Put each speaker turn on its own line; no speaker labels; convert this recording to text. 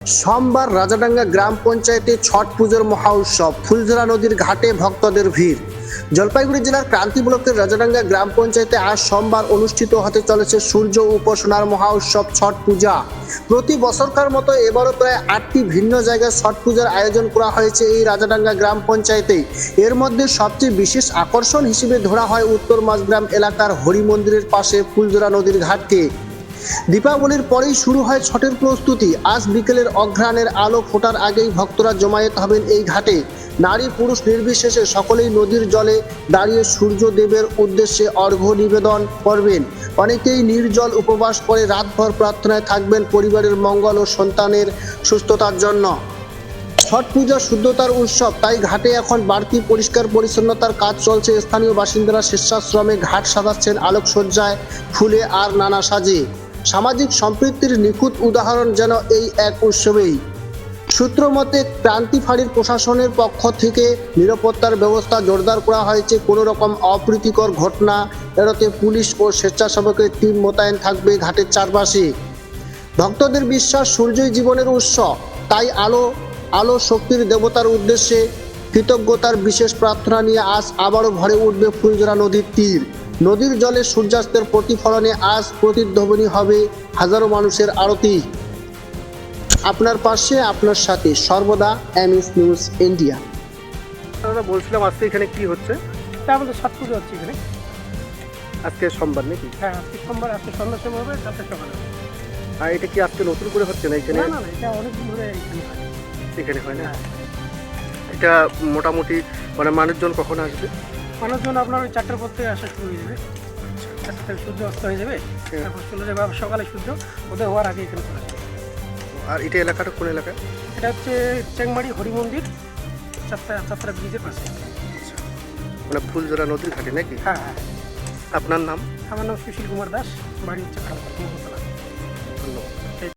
সোমবার রাজাডাঙ্গা গ্রাম পঞ্চায়েতে ছট পুজোর মহা উৎসব। ফুলঝরা নদীর ঘাটে ভক্তদের ভিড়। জলপাইগুড়ি জেলার ক্রান্তি ব্লকের রাজাডাঙ্গা গ্রাম পঞ্চায়েতে আজ সোমবার অনুষ্ঠিত হতে চলেছে সূর্য উপাসনার মহা উৎসব ছট পূজা। প্রতি বছরকার মতো এবারও প্রায় 8টি ভিন্ন জায়গায় ছট পূজার আয়োজন করা হয়েছে এই রাজাডাঙ্গা গ্রাম পঞ্চায়েতে। এর মধ্যে সবচেয়ে বিশেষ আকর্ষণ হিসেবে ধরা হয় উত্তর মাঝগ্রাম এলাকার হরি মন্দিরের পাশে ফুলঝরা নদীর ঘাটকে। দীপাবলির পরেই শুরু হয় ছটের প্রস্তুতি। আজ বিকেলের অঘ্রাণের আলো ফোটার আগেই ভক্তরা জমায়েত হবেন এই ঘাটে। নারী পুরুষ নির্বিশেষে সকলেই নদীর জলে দাঁড়িয়ে সূর্যদেবের উদ্দেশ্যে অর্ঘ্য নিবেদন করবেন। অনেকেই নির্জল উপবাস করে রাতভর প্রার্থনায় থাকবেন পরিবারের মঙ্গল ও সন্তানের সুস্থতার জন্য। ছট পূজা শুদ্ধতার উৎসব, তাই ঘাটে এখন বাড়তি পরিষ্কার পরিচ্ছন্নতার কাজ চলছে। স্থানীয় বাসিন্দারা স্বেচ্ছাশ্রমে ঘাট সাজাচ্ছেন আলোকসজ্জায়, ফুলে আর নানা সাজে। সামাজিক সম্প্রীতির নিখুঁত উদাহরণ যেন এই এক উৎসবেই। সূত্র মতে ক্রান্তি ফাঁড়ির প্রশাসনের পক্ষ থেকে নিরাপত্তার ব্যবস্থা জোরদার করা হয়েছে। কোনো রকম অপ্রীতিকর ঘটনা এড়াতে পুলিশ ও স্বেচ্ছাসেবকের টিম মোতায়েন থাকবে ঘাটের চারপাশে। ভক্তদের বিশ্বাস সূর্যই জীবনের উৎস, তাই আলো শক্তির দেবতার উদ্দেশ্যে কৃতজ্ঞতার বিশেষ প্রার্থনা নিয়ে আজ আবারও ভরে উঠবে ফুলঝরা নদীর তীর। নদীর জলে সূর্যাস্তের প্রতিফলনে আজ প্রতিধ্বনি হবে হাজারো মানুষের আরতি। আপনার পাশে, আপনার সাথে সর্বদা এমএস নিউজ ইন্ডিয়া।
দাদা বলছিলাম আজকে এখানে কি হচ্ছে?
আমাদের ছট পুজো হচ্ছে এখানে।
আজকে সোমবার নাকি?
হ্যাঁ, আজকে সোমবার, আজকে সন্ধ্যার সময় হবে, কালকে সকালে হবে।
আর এটা কি আজকে নতুন করে হচ্ছে না এখানে?
না না না, এটা অনেকদিন ধরে এখানে হয়।
এখানে হয় না?
হ্যাঁ।
এটা মোটামুটি মানে মানুষজন কখন আসবে?
মানুষজন আপনার ওই 4টার পর থেকে আসা শুরু হয়ে যাবে। 4টা থেকে সূর্য অস্ত হয়ে যাবে, তারপর চলে যাবে আবার সকালে সূর্য উদয় হওয়ার আগে এখানে চলে যাবে।
আর এটা এলাকাটা কোন এলাকা?
এটা হচ্ছে চেংমারি হরি মন্দির, চাত্রা ব্রিজের পাশে।
মানে ফুলঝরা নদীর ঘাটে নাকি?
হ্যাঁ হ্যাঁ।
আপনার নাম?
আমার নাম সুশীল কুমার দাস, বাড়ি হচ্ছে খারাপ।
ধন্যবাদ।